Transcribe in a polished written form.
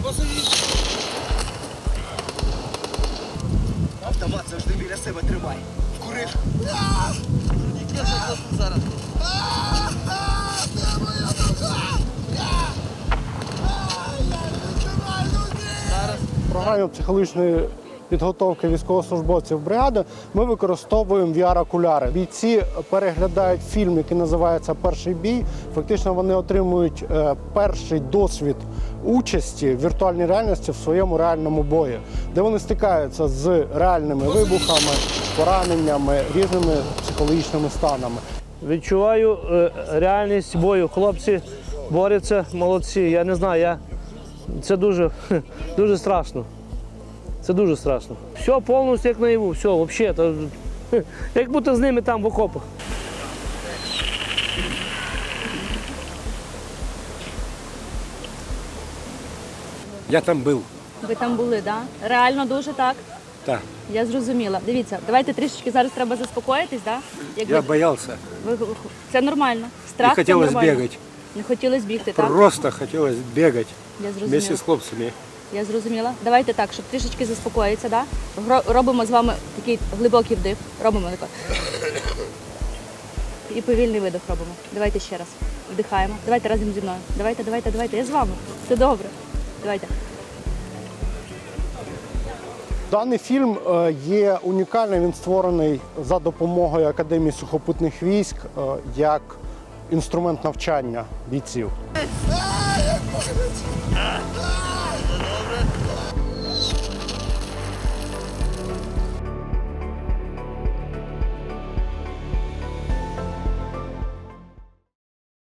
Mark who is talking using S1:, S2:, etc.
S1: Автомат завжди біля себе тримай. Вкурив. Зараз.
S2: В програмі психологічної підготовки військовослужбовців бригади ми використовуємо VR-окуляри. Бійці переглядають фільм, який називається «Перший бій». Фактично вони отримують перший досвід участі в віртуальній реальності в своєму реальному бої, де вони стикаються з реальними вибухами, пораненнями, різними психологічними станами.
S3: Відчуваю реальність бою. Хлопці борються, молодці. Я не знаю, це дуже страшно. Це дуже страшно. Все повністю як наяву, все, взагалі. Як бути з ними там в окопах.
S4: Я там був.
S5: Ви там були, так? Да? Реально дуже так?
S4: Так.
S5: Я зрозуміла. Дивіться, давайте трішечки зараз треба заспокоїтись, так? Да?
S4: Я боявся.
S5: Це нормально. Страх
S4: Не хотілося
S5: це нормально.
S4: бігати.
S5: Не хотілося бігти, так?
S4: Просто хотілося бігати
S5: Я зрозуміла.
S4: вместе з хлопцями.
S5: Я зрозуміла. давайте так, щоб трішечки заспокоїтися, да? Робимо з вами такий глибокий вдих. Робимо тако. І повільний видих робимо. Давайте ще раз. Вдихаємо. Давайте разом зі мною. Давайте. Я з вами. Все добре. Давайте.
S2: Даний фільм є унікальним, він створений за допомогою Академії сухопутних військ як інструмент навчання бійців.